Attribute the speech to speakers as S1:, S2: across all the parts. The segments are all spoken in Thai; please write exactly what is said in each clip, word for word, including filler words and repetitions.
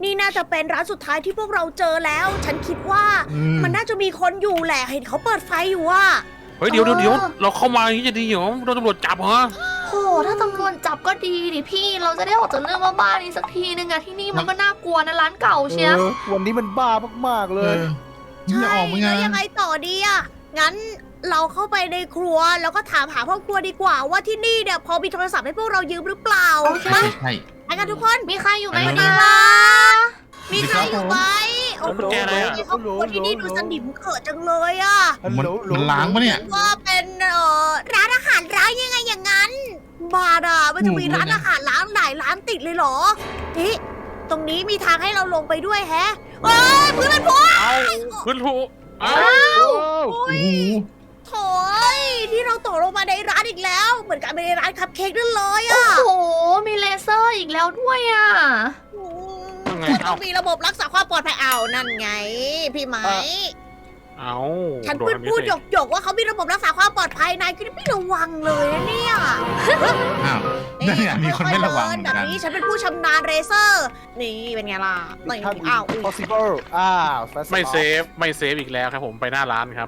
S1: นี่น่าจะเป็นร้านสุดท้ายที่พวกเราเจอแล้ว ฉันคิดว่า
S2: อืม
S1: มันน่าจะมีคนอยู่แหละ เห็นเขาเปิดไฟอยู่อะ
S3: เฮ้ยเดี๋ยวเดี๋ยวเดี๋ยวเราเข้ามาอย่างนี้จะดีเหรอโดนตำรวจจับเหรอ
S4: โหถ้าตำรวจจับก็ดีดิพี่เราจะได้ออกจากเรื่องบ้าๆนี้สักทีนึงอะที่นี่มันก็น่ากลัวนะร้านเก่าเชีย
S5: เออวันนี้มันบ้ามากๆเล
S2: เอย อนี่จะออกมั้ยไง
S1: แล้วยังไงต่อดีอะงั้นเราเข้าไปในครัวแล้วก็ถามหาพ่อครัวดีกว่าว่าที่นี่เนี่ยพอมีโทรศัพท์ให้พวกเรายืมหรือเปล่า
S4: โอเค
S2: ใช่ใช่
S1: ไปกันทุกคน
S4: มีใครอยู่ไหม
S2: ไป
S4: ดี
S2: เลย
S4: ล่ะ
S1: มีใครอยู่ไหมโอ้โห
S3: กุญแจอะไรอะ
S1: ครอบครัวที่นี่ดูสนิมเขิดจังเลยอะ
S5: ฮัล
S2: มัน
S5: โหล
S2: มันล้างปะเนี่ย
S1: ว่าเป็นเอ่อร้านอาหารร้านยังไงอย่างนั้นบาดามันจะมีร้านอาหารร้านหลายร้านติดเลยเหรอนี่ตรงนี้มีทางให้เราลงไปด้วยแฮะเอ้ยเพื่อนมันพูด
S3: เอาขึ้นถูกเอา
S1: โอ้
S2: โอ้
S1: ย
S2: โห
S1: โถ่ยที่เราตกลงมาในร้านอีกแล้ว เหมือนกันไปในร้านคัพเค้กนั่นเลย
S4: โอ้
S1: อะ
S4: โหมีเลเซอร์อีกแล้วด้วยอะ
S3: ยังไง
S1: มันต้
S3: เอา
S1: องมีระบบรักษาความปลอดภัยเอานั่นไง พี่ไหม
S3: เอา
S1: ฉัน
S3: โด
S1: พูด
S3: ทำ
S1: พูด
S3: สิ
S1: หยกหยกๆว่าเขามีระบบรักษาความปลอดภัยนายก็ไม่ระวังเลยนะเนี่ย
S2: อ้าวนั่นเนี่ยมีคนไม่ระวังเหมือน
S1: แบบ
S2: กัน
S1: นี้ฉันเป็นผู้ชำนาญเรเซอร์ นี่เป็นไงล่ะนี่
S5: ท่าน
S1: อ้าวอุ๊ย
S5: possible อ้าว fast
S3: ไม่เซฟไม่เซฟอีกแล้วครับผมไปหน้าร้านครับ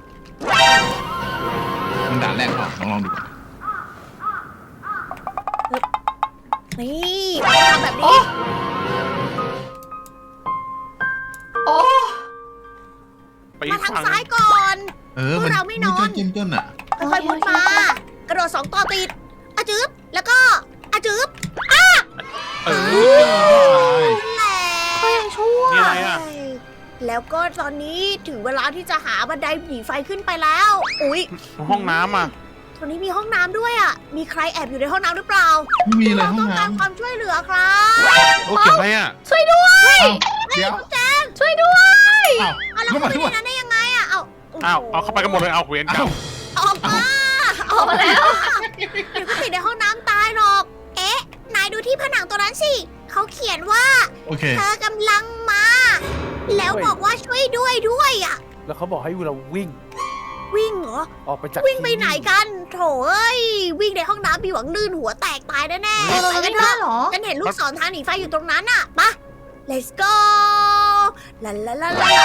S2: มันด่านแรกก่อนลองลองดูก่อน
S1: นี่มาทำแบบนี้
S4: โอ้
S3: ไป
S1: มาทาง
S3: ฝั่ง
S1: ซ้ายก่อน
S2: เออ
S1: พวกเราไม่นอน
S2: เจ้นเจ้นอ่ะ
S1: ค่อยๆมุดมา กระโดดสองต่อติดอะจึ๊บแล้วก็อะจึ๊บ
S3: เออ
S1: แหละ
S4: ก็ยังชั่ว
S3: นี่อะไรอะ
S1: แล้วก็ตอนนี้ถึงเวลาที่จะหาบันไดหนีไฟขึ้นไปแล้ว อุ๊ย
S3: ห้องน้ำอ่ะ
S1: ตรงนี้มีห้องน้ำด้วยอ่ะ มีใครแอบอยู่ในห้องน้ำหรือเปล่า
S2: ไม่มีเลย
S1: เรา
S2: ห้อ
S1: ต้อง งการ
S2: น้ำ
S1: ความช่วยเหลือครับ
S3: โอ้เก็บอะไรอ่ะ
S4: ช่วยด้วย
S2: เดี๋ยว
S1: แจ้ง
S4: ช่วยด้วย
S2: อ้าว
S1: เอาแล้ว
S2: เข้า
S1: เขา
S2: มา
S1: ไป
S2: ทั่ว
S1: ในนั้นได้ยังไงอ่ะ เอาโโห
S3: อ้าวเอาเข้าไปกันหมดเลยเอาเวรกรรม
S1: ออกมา
S4: ออกมาแล้ว
S1: เดี๋ยวก็ติดในห้องน้ำตายหรอก เอ๊ะ นายดูที่ผนังตัวนั้นสิ เขาเขียนว่า
S2: โอเค
S1: เธอกำลังมา แล้วบอกว่าช่วยด้วยด้วยอ่ะ
S5: แล้วเขาบอกให้เราวิ่ง
S1: วิ่งเหรอ
S5: ออกไปจาก
S1: วิ่งไปไหนกัน โถเอ้ย วิ่งในห้องน้ำมีหวังลื่นหัวแตกตายแน่ๆ
S4: เออเรา
S1: ไป
S4: ไม่
S1: กันเถ
S4: ได้
S1: อะ
S4: เหรอ
S1: ฉันเห็นลูกศรทางหนีไฟอยู่ตรงนั้นอะไปะ let's go ลาลาลาลา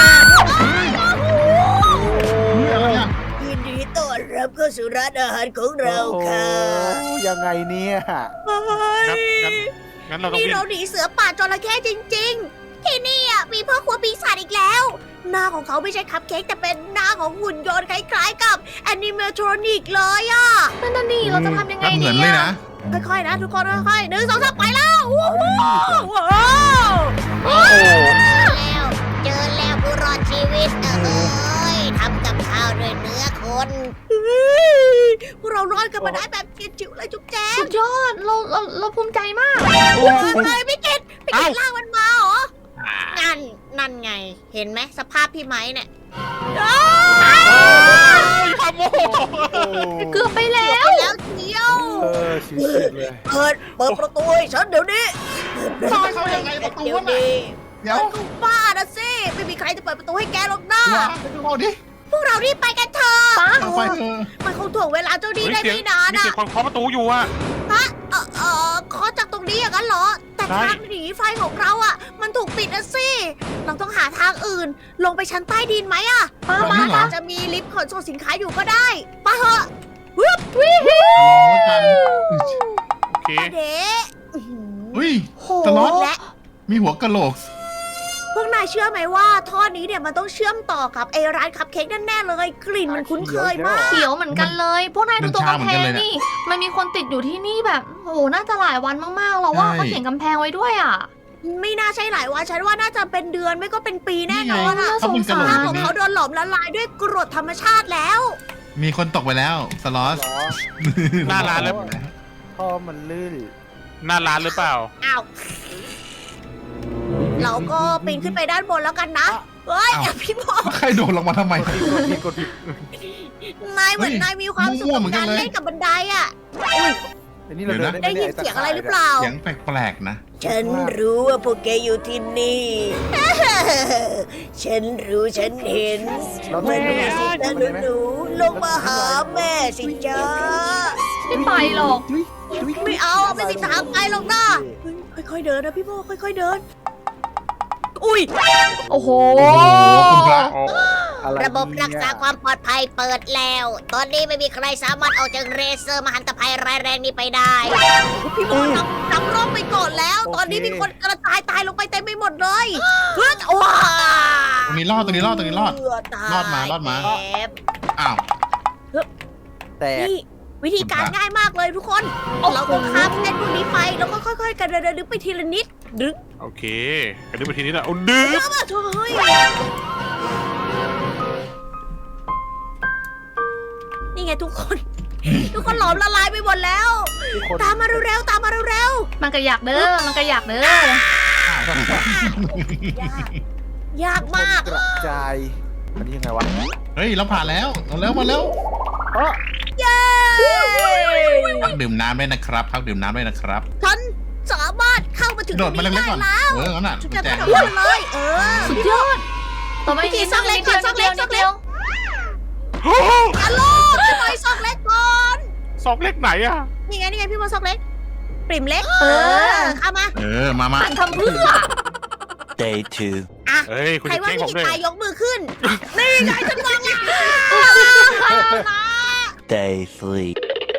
S2: เฮ้ยอะไรอ่ะ
S1: ยินดีต้อนรับเข้าสู่ร้านอาหารของเราค่ะ
S5: โอ้ยังไงเนี่ย
S3: งั้นงั้นงั้นเราต้อง
S1: นี่
S3: วิ่ง
S1: เราหนีเสือป่าจระเข้จริงๆ ที่นี่อะมีพ่อครัวปีศาจอีกแล้ว หน้าของเขาไม่ใช่คัพเค้กแต่เป็นหน้าของหุ่นยนต์คล้ายๆกับแอนิเมทรอนิกเลยอะ
S4: นั่นน่ะนี่เราจะทำยังไง
S2: เหมื
S4: ดี
S2: อนเลย
S4: อะ
S2: นะ
S1: ค่อยๆนะทุกคนค่อยๆหนึ่งสองสามไปแล้วว้าวว้าว
S3: โอ้โห
S1: แล้วเจอแล้วผู้รอดชีวิตเอ้ยทำกับข้าวด้วยเนื้อคนพวกเรารอดกันมาได้แบบจิ๋วๆเลยจุ๊บแจ๊บ
S4: สุดยอดเราเราเราภูมิใจมาก
S3: โอ้
S1: เฮ้ยไม่เก็ตไม่เก็ตล่างมันมาเหรอนั่นนั่นไง เห็นไหมสภาพพี่ไม้เนี่ยอ้าว
S3: ยขโมย
S5: โอ้
S4: เกือบไปแล้ว
S1: แล้วเชียว
S5: เออชิวๆเลย
S1: เปิดเปิดประตูให้ฉันเดี๋ยวนี้
S2: ทำไมเขายังไงประตู
S1: เดี๋ยว
S2: น่ะ
S1: นี้
S2: เดี๋ยว
S1: กูบ้านะสิไม่มีใครจะเปิดประตูให้แกหรอกนะ
S2: ว้าไปดูเอาดิ
S1: พวกเรารีบไปกันเถอะ
S4: ปัง
S2: เอาไปเถอะ
S1: มันคงถ่วงเวลาเจ้าดี
S3: เฮ้ย
S1: ได้
S3: เสียง
S1: ไม่นาน
S3: มี
S1: อะ
S3: เสียงคนเคาะประตูอยู่อ่ะ
S1: ฮะเออเออขอจากตรงนี้อย่างนั้นเหรอ แต่
S3: ใช่
S1: ทางหนีไฟของเราอะมันถูกปิดนะสิ เราต้องหาทางอื่น ลงไปชั้นใต้ดินไหมอะ
S4: ป้า
S2: ตรง
S4: มา
S2: นี้เหรอ
S1: อาจจะมีลิฟต์ขนส่งสินค้าอยู่ก็ได้ไปเถอะ
S4: วิว
S2: ลองแล้วกัน
S3: โอเค
S1: เด็อื้อหือ
S2: เฮ้ย
S4: โห
S2: สล็อต
S1: และ
S2: มีหัวกะโหลก
S1: พวกนายเชื่อไหมว่าท่อนี้เนี่ยมันต้องเชื่อมต่อกับไอ้ร้านคัพเค้กแน่ๆเลย กลิ่นมันคุ้นเคยมาก
S4: เขียวเหมือนกันเลย พวกนายดูตัว
S2: มันชาเหมื
S4: กำ
S2: อน
S4: แพ
S2: กัน
S4: ง
S2: เลยเนี่ย
S4: นี่ มันมีคนติดอยู่ที่นี่แบบโอ้โหน่าจะหลายวันมากๆแล้วว่า
S2: ใช่
S4: เขาเขียนกำแพงไว้ด้วยอ่ะ
S1: ไม่น่าใช่หลายวันฉันว่าน่าจะเป็นเดือนไม่ก็เป็นปีแน่นอน
S2: ไง
S1: อะ
S2: เขาเป็นกะโหล
S1: ห
S2: ก
S1: น้า
S2: อ
S1: ของ
S2: ย่างนี้
S1: เขาโดนหลอมละลายด้วยกรดธรรมชาติแล้ว
S2: มีคนตกไปแล้ว สล็อต
S5: เหรอ
S3: หน้าร้านเลย
S5: ท่อมันลื่น
S3: หน้าร้านหรือเปล่า
S1: อ้าว เราก็ปีนขึ้นไปด้านบนแล้วกันนะ เฮ้ย
S2: อ้าว
S1: อย่าพี่บอก
S2: ใครโดดลงมาทำไม
S5: กดผิดกดผิด
S1: นายเหมือน
S2: เฮ้ย
S1: นายมีความสุข
S2: มั่ว
S1: กับ
S2: เหมือนกั
S1: กาน ร
S2: เลย
S1: เล่นกับบันไดอ่ะ
S5: อันนี้เราเดิน
S1: ได้
S5: ได้ไหม
S1: ยิน
S5: นี่
S1: เสียง
S5: ตะข่
S1: อะไรหรือเปล่า
S2: เสียงแปลกๆนะ
S1: ฉันรู้ว่าพวกแกอยู่ที่นี่ ฉันรู้ฉันเห็น
S5: เราต้อง
S1: แม่
S5: เดิน
S1: สิ
S5: ได้
S1: จ้า
S5: ไหม
S1: หนูๆลงมาหาแม่สิจ้า
S4: ไม่ไปหรอก
S1: ไม่เอาไม่มีทางไปหรอกนะเฮ้ยค่อยๆเดินนะพี่โมค่อยๆเดินอุ้ย
S4: โอ้โห
S2: โอ้โหคุณพระ
S3: อ๋อ
S5: อะไร
S1: ระบบรักษา
S5: เนี่ย
S1: ความปลอดภัยเปิดแล้ว ตอนนี้ไม่มีใครสามารถออกจากเรเซอร์มหันตภัยร้ายแรงนี้ไปได้พี่โมนำนำร่องไปก่อนแล้ว ตอนนี้มีคนกระจายตายลงไปเต็มไปหมดเลยเฮ้ยว้า
S2: ตรงนี้รอดตรงนี้รอดตรงนี้รอด รอดมารอดมา
S1: แอบ
S2: อ้าว
S5: แต่
S1: นี่วิธีการง่ายมากเลยทุกคน เราต้องข้ามเส้นพวกนี้ไป แล้วก็ค่อยๆกันเดินๆลึกไปทีละนิดดึก
S3: โอเคกันนี้ไปทีนี้แหละเอาดื้อ
S1: เยอะมากเฮ้ยนี่ไงทุกคน ทุกคนหลอมละลายไปหมดแล้ว
S5: ทุกคน
S1: ตามมาเร็วๆตามมาเร็ว
S4: มันก็อยากเด้อ มันก็อยากเด้อ
S1: ๆยากมาก
S5: กระจายอันนี้ยังไงวะ
S2: เฮ้ยเราผ่านแล้วเอาแล้วมาแล้ว
S5: อ๋อ
S1: เย้
S2: พักดื่มน้ำด้วยนะครับพักดื่มน้ำด้วยนะครับ
S1: ฉันสามารถเข้ามาถึง
S2: โด
S1: ตร
S2: ด
S1: ง
S2: มา
S1: นี้
S2: เล็
S1: ได้
S2: กๆก่อน
S1: แล้ว
S2: เอองั้นน่ะ
S1: ฉัน
S2: กุญ
S1: จะ
S2: แจ
S1: กระโดดเลย เออ
S4: สุดยอดต่อไป
S1: วิธีซ่อนเล็กก่อนซ่อนเล็กซ่อนเล็ก
S4: ดียว
S1: อย่าโลภพี่บอยซอกเล็กก่อน
S3: ซอกเล็กไหนอะ
S1: นี่ไงนี่ไงพี่บอยซอกเล็ก ปริ่มเล็ก
S4: เออ
S1: เข้ามา
S2: เออมามา
S4: หันทำเพื่อ
S6: Day two.
S1: อ่ะ
S3: เฮ้ยคุณ
S1: ใคร
S3: จะ
S1: ว่า
S3: แกล้ง
S1: พี่
S3: ผม
S1: กิ
S3: ด้วย
S1: ตายยกมือขึ้น นี่ไงฉันวางแล้ว
S6: Day three.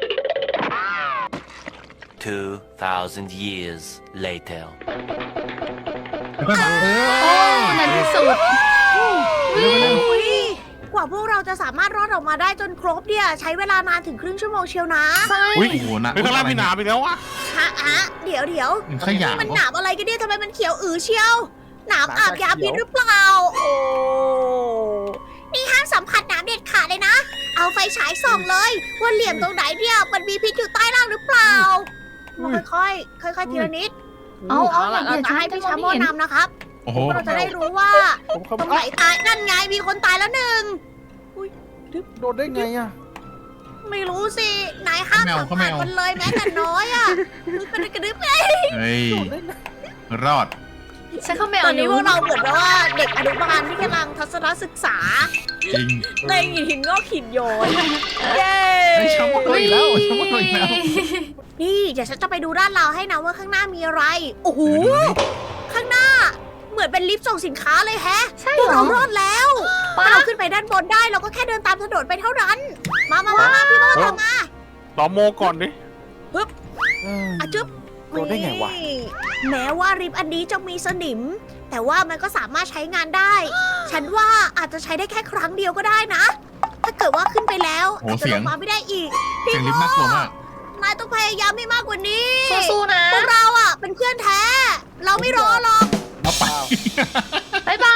S6: Two thousand years later.
S2: เอ
S4: โอ้
S2: อ
S4: ในที่สุด
S1: อุ๊ยกว่าพวกเราจะสามารถรอดออกมาได้จนครบเนี่ย ใช้เวลานานถึงครึ่งชั่วโมงเชียวนะ
S4: ใช่
S2: อุ้ยโอ้โหนะ
S3: เฮ้ยข้างล่างมีหนามอีกแล้วอะ
S1: ฮะฮะเดี๋ยวเดี๋ยว
S2: มันขยะ
S1: นี่มันหนามอะไรกันเนี่ยทำไมมันเขียวอือเชียวหนามอาบยาพิษหรือเปล่า โอ้นี่ห้ามสัมผัสหนามเด็ดขาดเลยนะ เอาไฟฉายส่องเลย ว่าเหลี่ยมตรงไหนเนี่ยมันมีพิษอยู่ใต้ล่างหรือเปล่ามาค่อยๆค่อยๆทีละนิด
S4: เอาเอา
S1: เรา
S4: อย่า
S1: จะ
S4: ใช้
S1: ให้
S4: พี่
S1: พี่
S4: ชา
S1: ชา
S4: โม
S1: โม
S4: เห็น
S1: นำนะครับ
S2: โอ้โห
S1: เราจะได้รู้ว่า
S5: ผมเขา
S1: ตรงไหนตายนั่นไงมีคนตายแล้วหนึ่ง
S5: โดนได้ไงอ่ะ
S1: ไม่รู้สินายห้ามสัมผัสมันเลยแม้แต่น้อยอ่ะกระดึบกระดึบไง
S2: เฮ้ย
S5: โดนได้ไง
S2: รอด
S4: ใช้ข้าวแมว
S1: ตอนนี้พวกเราเหมือนแบบว่าเด็กอนุบาลที่กำลังทัศนศึกษา
S2: จริง
S1: ในหินงอกหินโยนเย้
S2: ไอ้ชาวโมโดนอีกแล้วชาวโมโดนอีกแล้ว
S1: นี่เดี๋ยวฉันจะไปดูด้านเราให้นะว่าข้างหน้ามีอะไร โอ้โห ข้างหน้า เหมือนเป็นลิฟต์ส่งสินค้าเลยแฮะ
S4: ใช่
S1: พวก
S4: เหร
S1: เรา
S4: อ
S1: รอดแล้ว
S4: ป้า
S1: ถ้าเราขึ้นไปด้านบนได้เราก็แค่เดินตามถนนไปเท่านั้น มามามามาพี่โมทำมา
S3: ต่อโมก่อนดิ
S1: อะจึ๊บ
S5: โดนได้ไงวะ
S1: นี่แม้ว่าริฟต์อันนี้จะมีสนิม แต่ว่ามันก็สามารถใช้งานได้ ฉันว่าอาจจะใช้ได้แค่ครั้งเดียวก็ได้นะ ถ้าเกิดว่าขึ้นไปแล้ว
S2: โอ้
S1: อาจจะ
S2: เสี
S1: ล
S2: ยง
S1: งมาไม่ได้อีก
S2: เสียงลิฟต์น่ากลัวมาก
S1: นายต้องพยายามให้มากกว่านี้
S4: สู้ๆนะ
S1: พวกเราอ่ะเป็นเพื่อนแท้ เราไม่รอหรอก
S2: เอาไป
S4: บ๊ายบาย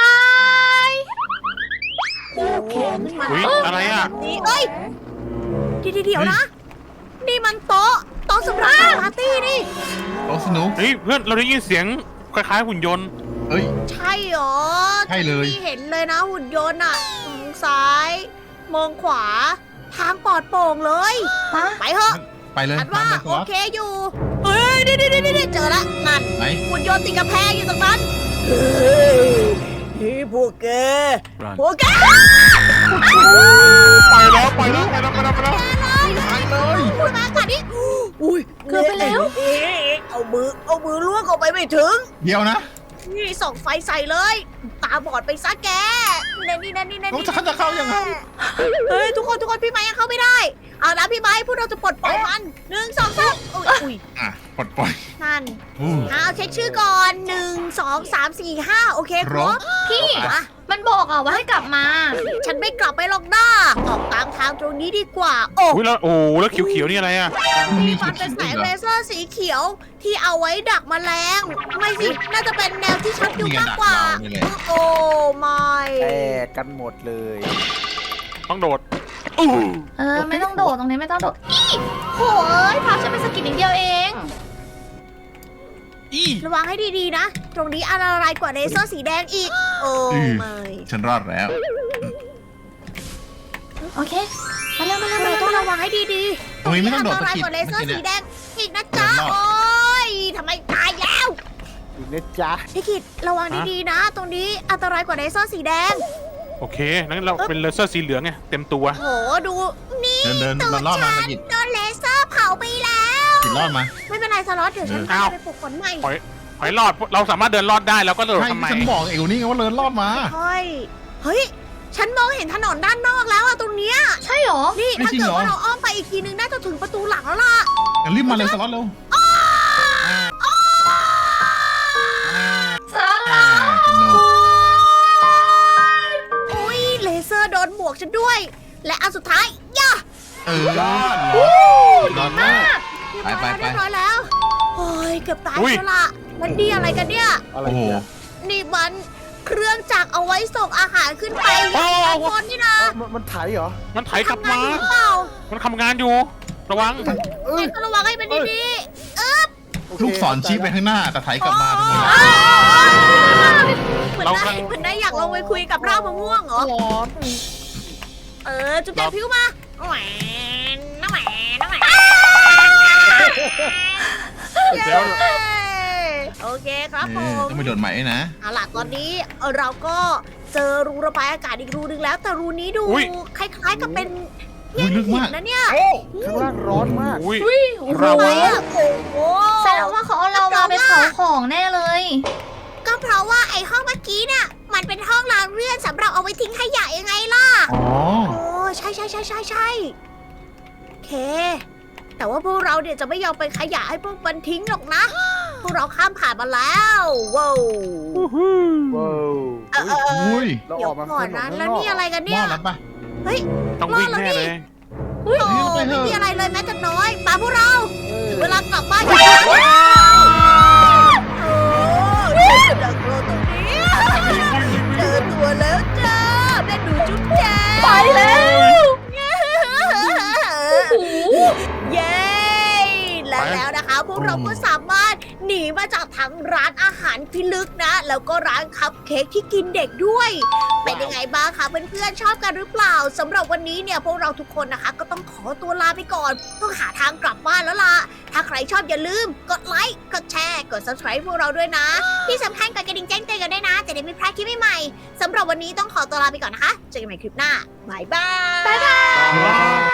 S3: อุ๊ยอะไรอะ
S1: นี่เอ้ยเดี๋ยวเดี๋ยวนะ นี่มันโต๊ะโต๊ะสำหรับปาร์ตี้นี่
S2: โอ้สนุก
S3: เฮ้ยเพื่อนเราได้ยินเสียงคล้ายๆหุ่นยนต์
S2: เฮ้ย
S1: ใช่เหรอ
S2: ใช่เลย
S1: ที่เห็นเลยนะหุ่นยนต์อ่ะมองซ้าย มองขวา ทางปลอดโปร่งเลย
S4: ป้า
S1: ไปเถอะ
S2: ไปเลย
S1: อันว่า
S2: ตามไป
S1: โอเคอยู่ เฮ้ยนี่นี่นี่นี่เจอละนั่น
S2: ไหน
S1: หุ่นยนต์ติดกระแพงอยู่ตรงนั้นเฮ้ยนี่พวกแก พวกแก
S3: ไปแล้วไปแล้วไปแล้วไปแล้วไปแล้ว
S2: ไปเลย
S1: คุณมาค่ะนี่อุ้ย
S4: เกือบไปแล้ว
S1: เอ๊ะเอามือ เอามือล้วงเข้าไปไม่ถึง
S2: เดี๋ยวนะ
S1: นี่ส่องไฟใส่เลย ตาบอดไปซะแกนี่นี่นี่นี่นี่
S2: เราจะจะเข้ายังไง
S1: เฮ้ยทุกคนทุกคนพี่ไม้ยังเข้าไม่ได้ เอาละพี่ไม้พวกเราจะปลดปล่อยมันหนึ่งสองสามอุ๊ยอุ้ย
S2: อ่ะปลดปล่อย
S1: นั่น
S2: อู้
S1: เอาเช็คชื่อก่อนหนึ่งสองสามสี่ห้าโอเคครบ
S4: พี่
S1: อ่ะ
S4: มันบอกอ่ะว่าให้กลับมา
S1: ฉันไม่กลับไปหรอกน้าออกตามทางตรงนี้ดีกว่า โอ้
S3: อุ้ยแล้วโอ้แล้วเขียวๆนี่อะไรอะ
S2: มันมี
S1: มี
S2: จุ
S1: ฟั
S2: ด
S1: นเป็น
S2: ๆ
S1: แส
S2: อี
S1: ง
S2: กเหร
S1: เล
S2: อ
S1: เซอร์สีเขียวที่เอาไว้ดักแมลง ไม่สิ น่าจะเป็นแนวที่ชักอยู่มากกว่า
S2: นี่ไงดักเรานี่แหละ
S1: โอ้ไม่
S5: แตกกันหมดเลย
S3: ต้องโดดอู้
S4: เออ ไม่ต้องโดดตรงนี้ไม่ต้องโดดอีโหยพาฉันไปสกิดนิดเดียวเอง
S3: อี
S1: ระวังให้ดีๆนะ ตรงนี้อันตรายกว่าเลเซอร์สีแดงอีก โอ้ไม่
S2: ฉันรอดแล้ว
S4: โอเค มาเร็วมาเร็วมา
S1: เรา
S4: เร็ว
S1: ต้องระวังให้ดีๆ
S2: ตรงนี้ไม่ต้องโดด
S1: อันตราย
S2: สะกิด
S1: กว่าเลเซอร์
S2: เมื่อกี้
S1: สี
S2: เนี่ย
S1: แดงอีกนะจ๊ะ
S2: เดินรอบ
S1: โอ้ยทำไมตายแล้ว
S5: อยู่นะจ๊ะ
S1: พี่กิดระวังดีๆนะ ตรงนี้อันตรายกว่าเลเซอร์สีแดง
S3: โอเคงั้นเราเป็นเลเซอร์สีเหลืองไงเต็มตัว
S1: โหดูนี่
S2: เดินเดิน
S1: ตัว
S2: เรารอดมา
S1: ฉั
S2: สะ
S1: น
S2: กิด
S1: โดนเลเซอร์เผาไปแล้ว
S2: กิดรอดมา
S1: ไม่เป็นไรสล็อตเดี๋ยวฉัน
S3: อ้าว
S1: ไปปลุกฝนใหม่
S3: ถอยถอยรอดเราสามารถเดินรอดได้แล้วก็โดด
S2: ใช่
S3: ทำไม
S2: ฉันบอกเอวนี่ไงว่าเลินรอดมา
S1: เฮ้ยเฮ้ย ฉันมองเห็นถนนด้านนอกแล้วอะตรงเนี้ย
S4: ใช่หรอ
S1: นี่
S2: ไม่
S1: ถ้า
S2: จริง
S1: เกิด
S2: เหรอ
S1: ว่าเราอ้อมไปอีกทีนึงน่าจะถึงประตูหลังแล้วล่ะ
S2: งั้นรีบมาเร็วสล็อตเร็ว
S4: สา
S2: อ่าสนุก
S1: อุ้ยเลเซอร์โดนหมวกฉันด้วย และอันสุดท้ายย่า
S2: เออรอดรอดมาก ไปไปไป
S1: เรียบร้อยแล้วโอ้ยเกือบตายแล้วล่ะมันดีอะไรกันเนี่ย
S5: อะไร
S2: โอ้โห
S5: เนี่ย
S1: นี่มันเครื่องจักรเอาไว้ส่งอาหารขึ้นไปด้านบนนี่นะ
S5: มันมันไถเหรอ
S3: มันไถกลับ
S1: ทำงาน
S3: มา
S1: อยู่หรือเปล่า
S3: มันทำงานอยู่ ระวัง
S5: เอ้ย
S1: ก็ระวังให้มันดี
S5: โอเค
S2: ลูกศรชี้ไปข้างหน้าแต่ไถกลับมาทำไม
S1: ๆ
S2: ล่ะ
S1: เหมือน
S3: เรา
S1: ได้
S3: กำลัง
S1: เหมือนได้อยากลงไปคุยกับรากมะม่วงเหรอ
S5: ร้อน
S1: เออ จุ๊บแจงพิ้วมาแหวนน้ำแหวนน้ำแหวน
S3: เดี๋ยว
S1: โอเคครับผ
S2: เออ
S1: ม
S2: ต้องไปโดดใหม่ด้วยนะ
S1: เอาล่ะตอนนี้เราก็เจอรูระบายอากาศอีกรูนึงแล้ว แต่รูนี้ดู
S3: อุ๊ย
S1: คล้ายๆกับเป็น
S2: อุ๊ยลึกมาก
S1: นะเนี่ย
S5: ข้างล่างร้อนมาก
S3: อุ้ย
S4: อุ้ยโอ้โห
S3: เรา
S1: ทำไมอะโอ้โห
S4: แสดงว่าเขาเอาเรามาไปเผาของแน่เลย
S1: ก็เพราะว่าไอ้ห้องเมื่อกี้เนี่ยมันเป็นห้องล้างเลื่อนสำหรับเอาไว้ทิ้งขยะยังไงล่ะ
S2: อ๋อ
S1: โอ้ใช่ใช่ใช่ใช่ใช่โอเค แต่ว่าพวกเราเนี่ยจะไม่ยอมไปขยะให้พวกมันทิ้งหรอกนะ พวกเราข้ามผ่านมาแล้วว้าว
S5: ว้าว
S1: เออเออเออ
S2: อุ้ย
S5: เรา
S1: เดี๋
S5: อ
S1: ยว
S5: อกมา
S1: ก่อนนะ
S5: ข้าง
S1: แล้ว
S5: ก
S1: นี่อะไรกัน
S2: ม
S1: เนี่
S2: อย ดแล้วปะ
S3: ต้องวิ่งแน่เลย
S1: โอ้
S2: ไปเถ
S1: ไม่
S2: อะ
S1: มีอะไรเลยแม้แต่น้อยมาพวกเรา
S5: เออ
S1: ถึงเวลากลับบ้านกันแล้วโอ้ดักโลตรงนี้เจอตัวแล้วจ้าแม่หนูจุ๊บแจง
S4: ไปแล้ว โอ้โห
S1: เย้ และแล้วนะคะพวกเราก็สามารถหนีมาจากทั้งร้านอาหารพิลึกนะ แล้วก็ร้านคัพเค้กที่กินเด็กด้วย เป็นยังไงบ้างคะเพื่อนๆชอบกันหรือเปล่าสำหรับวันนี้เนี่ยพวกเราทุกคนนะคะ ก็ต้องขอตัวลาไปก่อนต้องหาทางกลับบ้านแล้วล่ะ ถ้าใครชอบอย่าลืม กดไลค์กดแชร์กด ซับสไครบ์ พวกเราด้วยนะ ที่สำคัญกดกระดิ่งแจ้งเตือนกันด้วยนะ จะได้ไม่พลาดคลิปใหม่ๆสำหรับวันนี้ต้องขอตัวลาไปก่อนนะคะเจอกันใหม่คลิปหน้าบายบาย
S4: บ๊ายบาย